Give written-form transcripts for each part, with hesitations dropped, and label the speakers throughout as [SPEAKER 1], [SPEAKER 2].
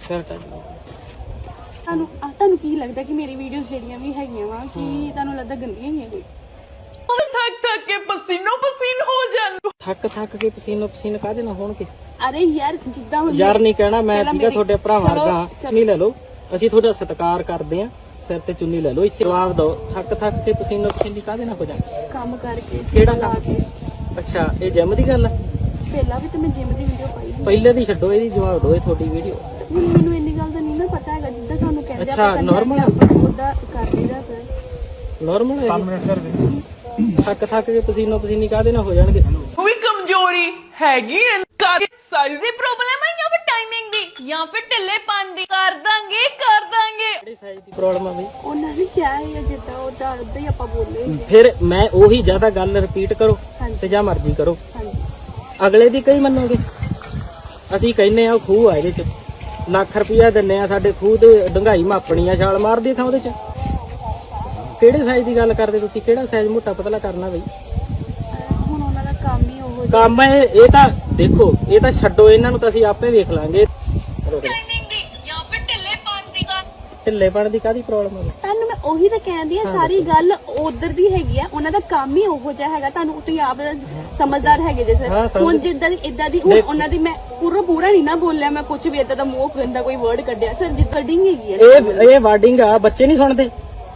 [SPEAKER 1] ਤੁਹਾਨੂੰ ਕੀ ਲੱਗਦਾ ਕਿ ਮੇਰੀ ਵੀਡੀਓਜ਼ ਜਿਹੜੀਆਂ ਵੀ ਹੈਗੀਆਂ ਵਾ ਕਿ ਤੁਹਾਨੂੰ ਲੱਗਦਾ ਗੰਦੀਆਂ ਹੀ ਆ ਕੋਈ
[SPEAKER 2] ਥੱਕ ਕੇ ਪਸੀਨੋ ਪਸੀਨ ਹੋ ਜਾਣ
[SPEAKER 3] ਥੱਕ ਕੇ ਪਸੀਨੋ ਪਸੀਨ ਕਾਹਦੇ ਨਾਲ ਹੋਣਗੇ।
[SPEAKER 1] ਅਰੇ ਯਾਰ ਜਿੱਦਾਂ ਹੁਣ
[SPEAKER 3] ਯਾਰ ਨਹੀਂ ਕਹਿਣਾ ਮੈਂ ਠੀਕਾ ਤੁਹਾਡੇ ਭਰਾਵਾਂ ਵਰਗਾ ਚੁੰਨੀ ਲੈ ਲਓ, ਅਸੀਂ ਤੁਹਾਡਾ ਸਤਿਕਾਰ ਕਰਦੇ ਆਂ, ਸਿਰ ਤੇ ਚੁੰਨੀ ਲੈ ਲਓ। ਇੱਥੇ ਜਵਾਬ ਦਿਓ, ਥੱਕ ਕੇ ਪਸੀਨੋ ਪਸੀਨੀ ਕਾਹਦੇ ਨਾਲ ਹੋ ਜਾਣ।
[SPEAKER 1] ਕੰਮ ਕਰਕੇ
[SPEAKER 3] ਕਿਹੜਾ ਕੰਮ? ਅੱਛਾ ਇਹ ਜਿਮ ਦੀ ਗੱਲ ਆ?
[SPEAKER 1] ਪਹਿਲਾਂ ਵੀ ਤੇ ਮੈਂ ਜਿਮ ਦੀ ਵੀਡੀਓ ਪਾਈ ਸੀ।
[SPEAKER 3] ਪਹਿਲੇ ਦੀ ਛੱਡੋ, ਇਹਦੀ ਜਵਾਬ ਦਿਓ। ਇਹ ਤੁਹਾਡੀ ਵੀਡੀਓ
[SPEAKER 1] ਹੁਣ ਮੈਨੂੰ ਇੰਨੀ ਗੱਲ ਦਾ ਨਹੀਂ ਨਾ ਪਤਾ ਹੈਗਾ ਜਿੱਦਾਂ ਤੁਹਾਨੂੰ ਕਹਿੰਦੇ
[SPEAKER 3] ਅੱਛਾ ਨਾਰਮਲ
[SPEAKER 1] ਉਹਦਾ ਕਰ ਲਈਦਾ ਸਰ
[SPEAKER 3] ਨਾਰਮਲ ਹੈ। 5 ਮਿੰਟ ਕਰ ਦੇ। ਥੱਕ ਕੇ ਪਸੀਨੋ ਪਸੀਨੀ ਕਾਹਦੇ ਨਾਲ ਹੋ ਜਾਣਗੇ।
[SPEAKER 2] ਉਹ ਵੀ ਕਮਜ਼ੋਰੀ ਹੈਗੀ ਐ, ਸਾਈਜ਼ ਦੀ ਪ੍ਰੋਬਲਮ ਹੈ ਜਾਂ ਫਿਰ ਟਾਈਮਿੰਗ ਦੀ ਜਾਂ ਫਿਰ ਢਿੱਲੇਪਨ ਦੀ। ਕਰ ਦਾਂਗੇ
[SPEAKER 3] ਕਿਹੜੀ ਸਾਈਜ਼ ਦੀ ਪ੍ਰੋਬਲਮ ਆ ਬਈ?
[SPEAKER 1] ਉਹਨਾਂ ਨੇ ਕਿਹਾ ਹੈ ਜਿੱਦਾਂ ਉਹਦਾ ਉਦਾਂ ਹੀ ਆਪਾਂ ਬੋਲੇ
[SPEAKER 3] ਫਿਰ ਮੈਂ ਉਹੀ ਜ਼ਿਆਦਾ ਗੱਲ ਰਿਪੀਟ ਕਰੋ ਤੇ ਜਾਂ ਮਰਜ਼ੀ ਕਰੋ। ਅਗਲੇ ਦੀ ਕਈ ਮੰਨੋਗੇ। ਅਸੀਂ ਕਹਿੰਨੇ ਆ ਖੂਹ ਆ, ਇਹਦੇ ਚ ਲੱਖ ਰੁਪਇਆ ਦਿੰਨੇ ਆ, ਸਾਡੇ ਖੂਹ ਤੇ ਡੰਗਾਈ ਮਾਪਣੀ ਆ, ਛਾਲ ਮਾਰਦੀ ਥਾਂ ਉਹਦੇ ਚ। ਕਿਹੜੇ ਸਾਈਜ਼ ਦੀ ਗੱਲ ਕਰਦੇ ਤੁਸੀਂ? ਕਿਹੜਾ ਸਾਈਜ਼ ਮੋਟਾ ਪਤਲਾ ਕਰਨਾ ਬਈ?
[SPEAKER 1] ਹੁਣ ਉਹਨਾਂ ਦਾ ਕੰਮ ਹੀ ਉਹ
[SPEAKER 3] ਕੰਮ ਇਹ ਤਾਂ ਦੇਖੋ, ਇਹ ਤਾਂ ਛੱਡੋ, ਇਹਨਾਂ ਨੂੰ ਤਾਂ ਅਸੀਂ ਆਪੇ ਵੇਖ ਲਾਂਗੇ।
[SPEAKER 2] ਟਾਈਮਿੰਗ ਦੀ ਜਾਂ ਫਿਰ ਢਿੱਲੇਪਨ ਦੀ।
[SPEAKER 3] ਢਿੱਲੇਪਣ ਦੀ ਕਾਹਦੀ ਪ੍ਰੋਬਲਮ ਹੈ?
[SPEAKER 1] ਤੁਹਾਨੂੰ ਮੈਂ ਉਹੀ ਤਾਂ ਕਹਿੰਦੀ ਆ, ਸਾਰੀ ਗੱਲ ਉਧਰ ਦੀ ਹੈਗੀ ਆ। ਉਹਨਾਂ ਦਾ ਕੰਮ ਹੀ ਉਹੋ ਜਿਹਾ ਹੈਗਾ। ਤੁਹਾਨੂੰ ਤੁਸੀਂ ਆਪ ਸਮਝਦਾਰ ਹੈਗੇ ਜੇ ਸਰ। ਹੁਣ ਜਿੱਦਾਂ ਦੀ ਇਦਾਂ ਦੀ ਹੁਣ ਉਹਨਾਂ ਦੀ ਮੈਂ ਪੂਰਾ ਨਹੀਂ ਨਾ ਬੋਲਿਆ, ਮੈਂ ਕੁਝ ਵੀ ਇਦਾਂ ਦਾ ਮੂੰਹ ਗੰਦਾ ਕੋਈ ਵਰਡ ਕੱਢਿਆ ਸਰ। ਜਿੱਦਾਂ ਡਿੰਗ ਹੈਗੀ ਆ
[SPEAKER 3] ਇਹ ਵਾਰਡਿੰਗ ਆ, ਬੱਚੇ ਨਹੀਂ ਸੁਣਦੇ।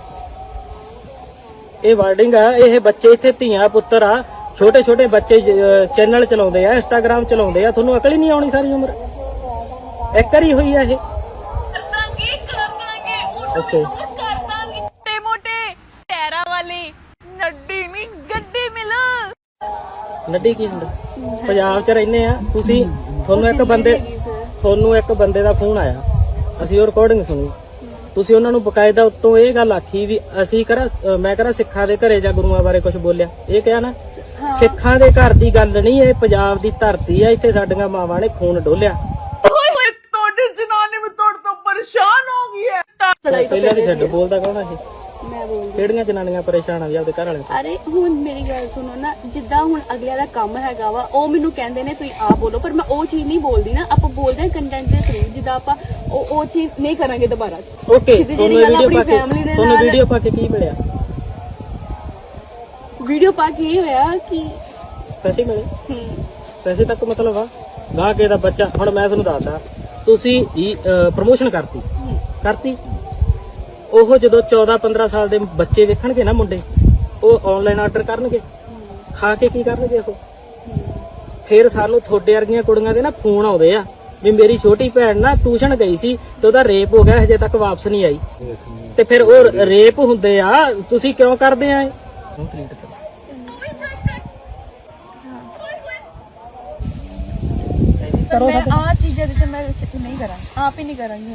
[SPEAKER 3] ਇਹ ਵਾਰਡਿੰਗ ਆ, ਇਹ ਬੱਚੇ ਇੱਥੇ ਧੀਆਂ ਪੁੱਤਰ ਆ, ਛੋਟੇ ਛੋਟੇ ਬੱਚੇ ਚੈਨਲ ਚਲਾਉਂਦੇ ਆ, ਇੰਸਟਾਗ੍ਰਾਮ ਚਲਾਉਂਦੇ ਆ। ਤੁਹਾਨੂੰ ਅਕਲ ਹੀ ਨਹੀਂ ਆਉਣੀ ਸਾਰੀ ਉਮਰ। ਇੱਕ ਵਾਰੀ ਹੋਈ ਆ ਇਹ। ਓਕੇ
[SPEAKER 2] ਮੋਟੇ ਟੈਰਾ ਵਾਲੀ ਨੱਡੀ ਨਹੀਂ ਗੱਡੀ ਮਿਲ।
[SPEAKER 3] ਨੱਡੀ ਕੀ ਹੁੰਦਾ? ਪੰਜਾਬ 'ਚ ਰਹਿੰਦੇ ਆ ਤੁਸੀਂ, ਤੁਹਾਨੂੰ ਇੱਕ ਬੰਦੇ ਦਾ ਫੋਨ ਆਇਆ, ਅਸੀਂ ਉਹ ਰਿਕਾਰਡਿੰਗ ਸੁਣੀ। ਤੁਸੀਂ ਉਹਨਾਂ ਨੂੰ ਬਕਾਇਦਾ ਉੱਤੋਂ ਇਹ ਗੱਲ ਆਖੀ ਵੀ ਅਸੀਂ ਮੈਂ ਕਰਾਂ ਸਿੱਖਾਂ ਦੇ ਘਰੇ ਜਾਂ ਗੁਰੂਆਂ ਬਾਰੇ ਕੁਝ ਬੋਲਿਆ। ਇਹ ਕਿਹਾ ਨਾ, ਸਿੱਖਾਂ ਦੇ ਘਰ ਦੀ ਗੱਲ ਨਹੀਂ, ਇਹ ਪੰਜਾਬ ਦੀ ਧਰਤੀ ਆ, ਇੱਥੇ ਸਾਡੀਆਂ ਮਾਵਾਂ ਨੇ ਖੂਨ ਡੋਲਿਆ।
[SPEAKER 2] ਤੁਹਾਡੀ ਜਨਾਨੀ ਵੀ ਤੁਹਾਡੇ ਤੋਂ ਪਰੇਸ਼ਾਨ ਹੋ ਗਈ ਹੈ।
[SPEAKER 3] ਪਹਿਲਾਂ ਦੀ ਛੱਡ, ਬੋਲਦਾ ਕੌਣ ਆ ਇਹ?
[SPEAKER 1] ਮੈਂ ਬੋਲਦੀ।
[SPEAKER 3] ਕਿਹੜੀਆਂ ਜਨਾਨੀਆਂ ਪਰੇਸ਼ਾਨ ਆ ਵੀ ਆਪਦੇ ਘਰ ਵਾਲੇ?
[SPEAKER 1] ਅਰੇ ਹੁਣ ਮੇਰੀ ਗੱਲ ਸੁਣੋ ਨਾ, ਜਿੱਦਾਂ ਹੁਣ ਅਗਲਿਆਂ ਦਾ ਕੰਮ ਹੈਗਾ ਵਾ, ਉਹ ਮੈਨੂੰ ਕਹਿੰਦੇ ਨੇ ਤੁਸੀਂ ਆਪ ਬੋਲੋ, ਪਰ ਮੈਂ ਉਹ ਚੀਜ਼ ਨਹੀਂ ਬੋਲਦੀ ਨਾ। ਆਪਾਂ ਬੋਲਦੇ ਹਾਂ ਕੰਟੈਂਟ ਦੇ ਥਰੂ, ਜਿੱਦਾਂ ਆਪਾਂ ਉਹ ਚੀਜ਼ ਨਹੀਂ ਕਰਾਂਗੇ ਦੁਬਾਰਾ।
[SPEAKER 3] ਓਕੇ, ਤੁਹਾਨੂੰ ਵੀਡੀਓ ਪਾ ਕੇ ਕੀ ਮਿਲਿਆ?
[SPEAKER 1] ਵੀਡੀਓ ਪਾ ਕੇ ਇਹ ਹੋਇਆ ਕਿ
[SPEAKER 3] ਪੈਸੇ ਮਿਲੇ। ਪੈਸੇ ਤੱਕ ਮਤਲਬ ਆ ਗਾਹ ਕੇ ਦਾ ਬੱਚਾ। ਹੁਣ ਮੈਂ ਤੁਹਾਨੂੰ ਦੱਸਦਾ, ਤੁਸੀਂ ਪ੍ਰਮੋਸ਼ਨ ਕਰਤੀ ਉਹ ਜਦੋਂ 14-15 ਸਾਲ ਦੇ ਬੱਚੇ ਵੇਖਣਗੇ ਨਾ ਮੁੰਡੇ, ਉਹ ਆਨਲਾਈਨ ਆਰਡਰ ਕਰਨਗੇ, ਖਾ ਕੇ ਕੀ ਕਰਨਗੇ ਉਹ? ਫਿਰ ਸਾਨੂੰ ਤੁਹਾਡੇ ਵਰਗੀਆਂ ਕੁੜੀਆਂ ਦੇ ਨਾ ਫੋਨ ਆਉਂਦੇ ਆ ਵੀ ਮੇਰੀ ਛੋਟੀ ਭੈਣ ਨਾ ਟਿਊਸ਼ਨ ਗਈ ਸੀ ਤੇ ਉਹਦਾ ਰੇਪ ਹੋ ਗਿਆ, ਹਜੇ ਤੱਕ ਵਾਪਸ ਨਹੀਂ ਆਈ। ਤੇ ਫਿਰ ਉਹ ਰੇਪ ਹੁੰਦੇ ਆ, ਤੁਸੀਂ ਕਿਉਂ ਕਰਦੇ ਆ?
[SPEAKER 1] ਮੈਂ ਆ ਚੀਜ਼ਾਂ ਦੇ ਮੈਂ ਨਹੀਂ ਕਰਾਂ, ਆਪ ਹੀ ਨਹੀਂ ਕਰਾਂਗੀ।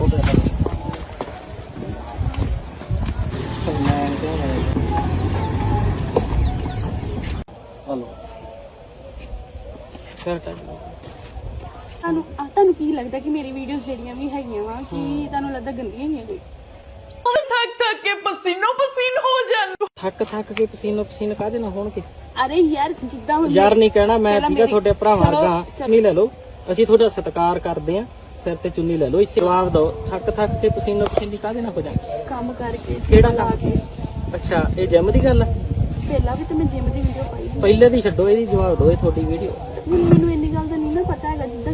[SPEAKER 1] ਤੁਹਾਨੂੰ ਕੀ ਲੱਗਦਾ ਕਿ ਮੇਰੀ ਵੀਡੀਓਜ਼ ਜਿਹੜੀਆਂ ਵੀ ਹੈਗੀਆਂ ਵਾ ਕਿ ਤੁਹਾਨੂੰ ਲੱਗਦਾ ਗੰਦੀਆਂ ਹੀ ਆ ਕੋਈ?
[SPEAKER 2] ਥੱਕ ਕੇ ਪਸੀਨੋ ਪਸੀਨ ਹੋ ਜਾਣ।
[SPEAKER 3] ਥੱਕ ਕੇ ਪਸੀਨੋ ਪਸੀਨ ਕਾਹਦੇ ਨਾਲ ਹੋਣਗੇ।
[SPEAKER 1] ਅਰੇ ਯਾਰ ਜਿੱਦਾਂ ਹੁਣ
[SPEAKER 3] ਯਾਰ ਨਹੀਂ ਕਹਿਣਾ ਮੈਂ ਠੀਕਾ ਤੁਹਾਡੇ ਭਰਾਵਾਂ ਵਰਗਾ ਚੁੰਨੀ ਲੈ ਲਓ, ਅਸੀਂ ਤੁਹਾਡਾ ਸਤਿਕਾਰ ਕਰਦੇ ਆਂ, ਸਿਰ ਤੇ ਚੁੰਨੀ ਲੈ ਲਓ। ਇੱਥੇ ਜਵਾਬ ਦਿਓ, ਥੱਕ ਕੇ ਪਸੀਨੋ ਪਸੀਨੀ ਕਾਹਦੇ ਨਾਲ ਹੋ ਜਾਣ।
[SPEAKER 1] ਕੰਮ ਕਰਕੇ
[SPEAKER 3] ਕਿਹੜਾ ਕੰਮ? ਅੱਛਾ ਇਹ ਜਿਮ ਦੀ ਗੱਲ ਆ?
[SPEAKER 1] ਪਹਿਲਾਂ ਵੀ ਤੇ ਮੈਂ ਜਿਮ ਦੀ ਵੀਡੀਓ ਪਾਈ ਸੀ।
[SPEAKER 3] ਪਹਿਲੇ ਦੀ ਛੱਡੋ, ਇਹਦੀ ਜਵਾਬ ਦਿਓ। ਇਹ ਤੁਹਾਡੀ ਵੀਡੀਓ
[SPEAKER 1] ਮੈਨੂੰ